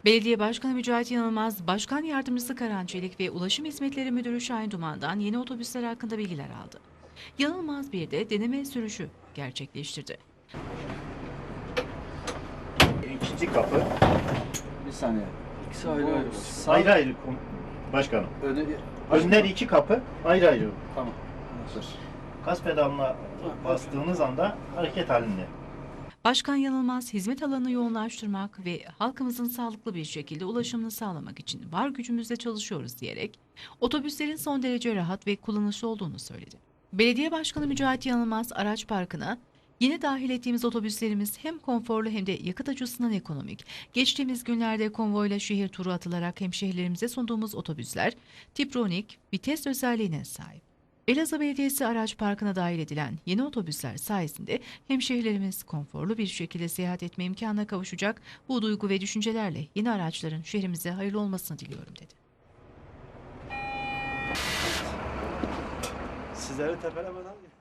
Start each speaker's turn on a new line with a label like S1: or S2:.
S1: Belediye Başkanı Mücahit Yanılmaz, Başkan Yardımcısı Karan Çelik ve Ulaşım Hizmetleri Müdürü Şahin Duman'dan yeni otobüsler hakkında bilgiler aldı. Yanılmaz bir de deneme sürüşü gerçekleştirdi.
S2: İkinci kapı
S3: Bir saniye. İkisi ayrı ayrı. Sağ,
S2: ayrı ayrı başkanım. Önler iki kapı ayrı ayrı.
S3: Tamam. Hazır.
S2: Gaz pedalına bastığınız anda hareket halinde.
S1: Başkan Yanılmaz, hizmet alanını yoğunlaştırmak ve halkımızın sağlıklı bir şekilde ulaşımını sağlamak için var gücümüzle çalışıyoruz diyerek otobüslerin son derece rahat ve kullanışlı olduğunu söyledi. Belediye Başkanı Mücahit Yanılmaz, araç parkına yeni dahil ettiğimiz otobüslerimiz hem konforlu hem de yakıt açısından ekonomik. Geçtiğimiz günlerde konvoyla şehir turu atılarak hemşehrilerimize sunduğumuz otobüsler Tiptronik vites özelliğine sahip. Elazığ Belediyesi araç parkına dahil edilen yeni otobüsler sayesinde hemşehrilerimiz konforlu bir şekilde seyahat etme imkanına kavuşacak. Bu duygu ve düşüncelerle yeni araçların şehrimize hayırlı olmasını diliyorum dedi.
S3: Sizleri tepelemeden